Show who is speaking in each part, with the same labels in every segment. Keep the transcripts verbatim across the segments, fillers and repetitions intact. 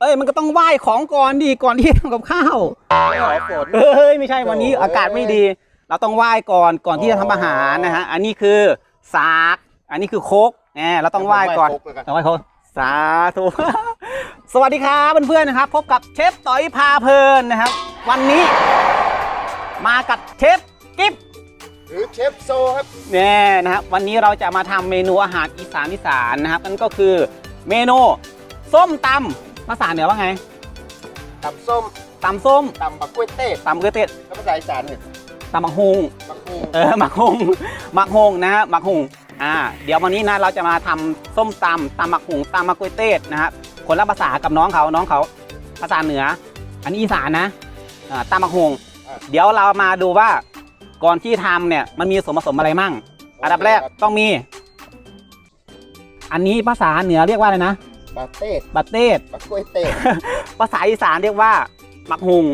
Speaker 1: อ้ยมันก็ต้องไหว้ของก่อนดีก่อนที่ทำกับข้าวเอ้ยไม่ใช่วันนี้อากาศไม่ดีเราต้องไหว้ก่อนก่อนที่จะทำอาหารนะฮะอันนี้คือสากอันนี้คือโคกแหมเราต้องไหว้ก่อนต้องไหว้โคกสาธุ สวัสดีครับเพื่อนๆนะครับพบกับเชฟต่อยพาเพลินนะครับวันนี้มากับเชฟกิ๊บ
Speaker 2: หรือเชฟโซครับ
Speaker 1: เนี่ยนะครับวันนี้เราจะมาทำเมนูอาหารอีสานอีสานนะครับนั่นก็คือเมนูส้มตำภาษาเหนือว่าไง
Speaker 2: ตำส้ม
Speaker 1: ตำส้ม
Speaker 2: ตำบักกล้วยเต้
Speaker 1: ตำกล้วยเต้
Speaker 2: แล้วภาษาอีสานเนี่ย
Speaker 1: ตำมักฮุง
Speaker 2: มักฮุง
Speaker 1: เออมักฮุงมักฮุงนะฮะมักฮุงอ่าเดี๋ยววันนี้นะเราจะมาทำส้มตำตำมักฮุงตำมักกล้วยเต้นะครับคนละภาษากับน้องเขาน้องเขาภาษาเหนืออันนี้อีสานนะอ่าตำมักฮุงเดี๋ยวเรามาดูว่าก่อนที่ทำเนี่ยมันมีส่วนผสมอะไรมั่งอันดับแรกต้องมีอันนี้ภาษาเหนือเรียกว่าอะไรนะ
Speaker 2: บาเต้
Speaker 1: บาเต้
Speaker 2: บักกล้วยเต้
Speaker 1: ภาษาอีสานเรียกว่ามักฮุง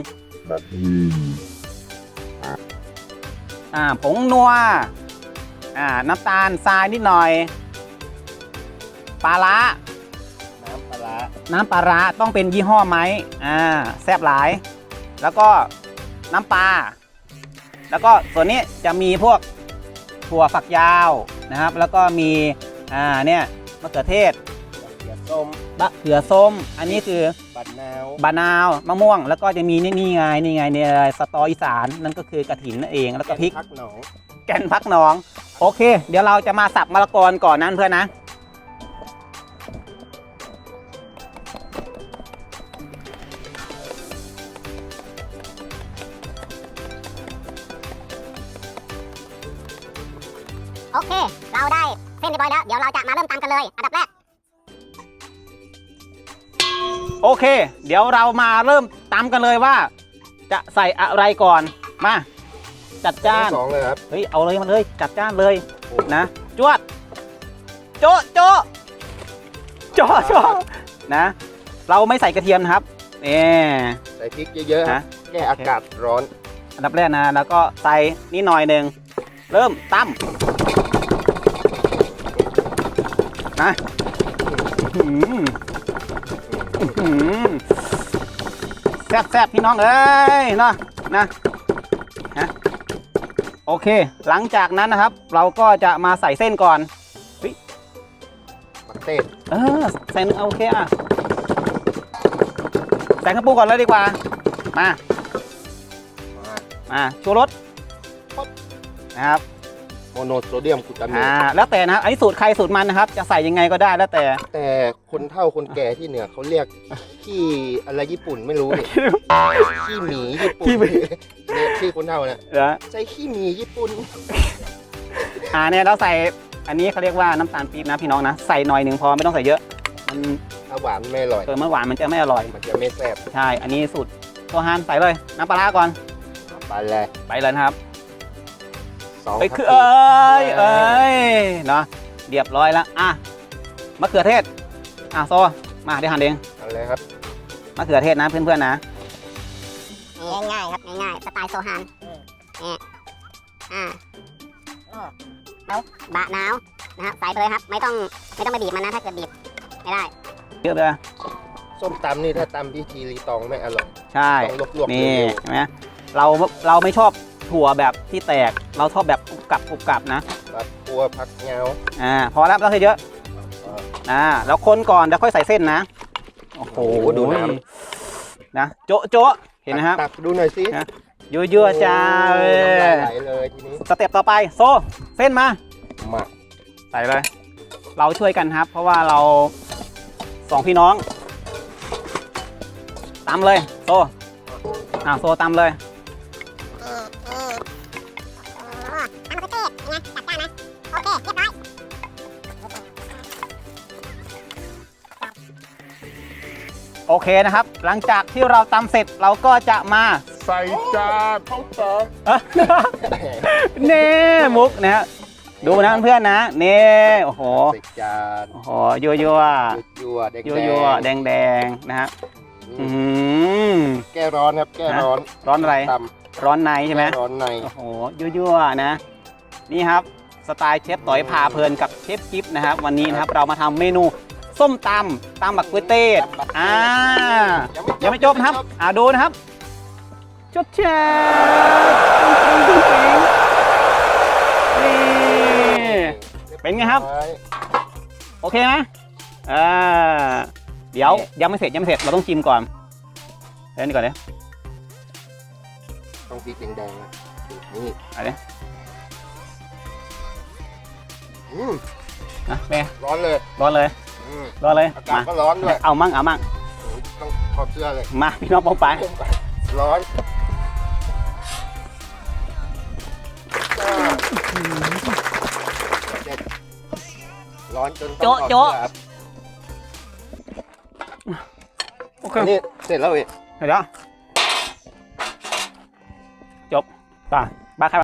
Speaker 1: อ่าผงนัวอ่าน้ำตาลทรายนิดหน่อยปลาร้า
Speaker 2: น้ำปลาร้า
Speaker 1: น้ำปลาร้าต้องเป็นยี่ห้อไหมอ่าแซ่บหลายแล้วก็น้ำปลาแล้วก็ส่วนนี้จะมีพวกถั่วฝักยาวนะครับแล้วก็มีอ่าเนี่ยมะเขือเทศ
Speaker 2: เขือส้ม
Speaker 1: มะเขือส้มอันนี้คือ
Speaker 2: บันาว
Speaker 1: บานาวมะม่วงแล้วก็จะมีนี่นี่ไงนี่ไงเนี่ยสตออีสานนั่นก็คือกระถินนั่นเองแล้วก็พริก
Speaker 2: พักหนอง
Speaker 1: แกนพักหนองโอเคเดี๋ยวเราจะมาสับมะละกอก่อนนั้นเพื่อนนะ
Speaker 3: โอเคเราได้เส้นเรียบร้อยแล้วเดี๋ยวเราจะมาเริ่มตำกันเลยอันดับแรก
Speaker 1: โอเคเดี๋ยวเรามาเริ่มตำกันเลยว่าจะใส่อะไรก่อนมาจัดจ้าน
Speaker 2: สองเลยครับ
Speaker 1: เฮ้ยเอาเลยมาเลยจัดจ้านเลยนะจวดโจ๊ะโจ๊ะโจ๊ะโจ๊ะนะเราไม่ใส่กระเทียมนะครับนี่
Speaker 2: ใส่พริกเยอะๆนะแก้อากาศร้อน
Speaker 1: อันดับแรกนะแล้วก็ใส่นิดหน่อยหนึ่งเริ่มตำนะแซ่บแซ่บพี่น้องเอ้ยเนาะนะนะโอเคหลังจากนั้นนะครับเราก็จะมาใส่เส้นก่อน
Speaker 2: บักเต้
Speaker 1: เออใส่โอเคอ่ะใส่ข้าวปูก่อนเลยดีกว่ามามาชูรสนะครับ
Speaker 2: โมโนโซเดียมกลูตาเมต
Speaker 1: อ่าแล้วแต่นะอันนี้สูตรใครสูตรมันนะครับจะใส่ยังไงก็ได้แล้วแต่
Speaker 2: แต่คนเฒ่าคนแก่ที่เหนือเขาเรียกขี้อะไรญี่ปุ่นไม่รู้เนี่ยขี้หมีญี่ปุ่นเนี่ยชื่อคนเฒ่าเนี่ยใส่ขี้หมีญี่ปุ่น
Speaker 1: อ่าเนี่ยเราใส่อันนี้เขาเรียกว่าน้ำตาลปี๊บนะพี่น้องนะใส่หน่อยหนึ่งพอไม่ต้องใส่เยอะมัน
Speaker 2: ถ้าหวานไม่อร่อย
Speaker 1: เออเมื่อหวานมันจะไม่อร่อย
Speaker 2: มันจะไม่แซ่บ
Speaker 1: ใช่อันนี้สูตรโซฮานใส่เลยน้ำปลาร้าก่อน
Speaker 2: ไปเลย
Speaker 1: ไปเลยนะครับไปคือเอ้ยเอ้ยเนาะเรียบร้อยแล้วอ่ะมะเขือเทศอ่ะโซมาเดี๋ยวหั่นเอง
Speaker 2: อะไรครับ
Speaker 1: มะเขือเทศนะเพื่อนๆนะ
Speaker 3: ง่ายๆครับง่ายๆสไตล์โซฮานนี่อ่าแล้วบะนาวนะครับใส่ไปเลยครับไม่ต้องไม่ต้องไปบีบมันนะถ้าเกิดบีบไม่ได้
Speaker 1: เยอะเลย
Speaker 2: ส้มตำนี่ถ้าตำพิธีรีตองไม่อร่อย
Speaker 1: ใช่
Speaker 2: ต้องลวกๆ
Speaker 1: นี่ใช่ไหมเราเราไม่ชอบถั่วแบบที่แตกเราชอบแบบกรุบกรับกรุบกรับนะ
Speaker 2: ผักบัวผักเงา
Speaker 1: อ่าพอแล้วเราใส่เยอะอ่าแล้วคนก่อนเดี๋ยวค่อยใส่เส้นนะโอ้โหดูน้ำนะโจ๊ะโจ๊ะเห็นไหมครับ
Speaker 2: ตักดูหน่อยสิ
Speaker 1: ยั่วๆจ้า
Speaker 2: ไหลเลยทีนี้
Speaker 1: สเต็ปต่อไปโซเส้นมา
Speaker 2: มา
Speaker 1: ใส่เลยเราช่วยกันครับเพราะว่าเราสองพี่น้องตำเลยโซอ่าโซตำเลยโอเคนะครับหลังจากที่เราตำเสร็จเราก็จะมา
Speaker 2: ใส่จานเข้าจาน
Speaker 1: เน่มุกนะฮะดูนะเพื่อนนะเน่โอ้โห
Speaker 2: ใส่จาน
Speaker 1: โอ้โหยั่วยั่ว
Speaker 2: ยั่วแดง
Speaker 1: ยั่วแดงแดงนะฮะ
Speaker 2: แก้ร้อนครับแก้ร้อน
Speaker 1: ร้อนอะไรร้อนในใช่ไหม
Speaker 2: ร้อนใน
Speaker 1: โอ้โหยั่วยั่วนะนี่ครับสไตล์เชฟต่อยพาเพลินกับเชฟกิ๊บนะครับวันนี้นะครับเรามาทำเมนูส้มตำตำบักกล้วยเต้อ่ายังไม่จบนะครับอ่าดูนะครับชดแชร์นี่เป็นไงครับโอเคไหมอ่าเดี๋ยวยังไม่เสร็จยังไม่เสร็จเราต้องชิมก่อนเล่นก่อนเลย
Speaker 2: ต้องพริกแดงๆนะนี่
Speaker 1: อะไร
Speaker 2: อืม
Speaker 1: นะเป็นไง
Speaker 2: ร้อนเลย
Speaker 1: ร้อนเลย
Speaker 2: อืม
Speaker 1: ร้อนเลย
Speaker 2: อากาศ
Speaker 1: มา
Speaker 2: ก็ร้อนด้วย
Speaker 1: เอามั่งเอามั่ง
Speaker 2: ต้องถอดเสื้อเลย
Speaker 1: มาพี่น้องปองไป
Speaker 2: ร้อนเด็ดร้อนจนต้องถอดเสื้อครับ
Speaker 1: โอเค
Speaker 2: อันนี้เสร็จแล้วเว้ย
Speaker 1: เดี๋ยวจบป่ะบ้าใคร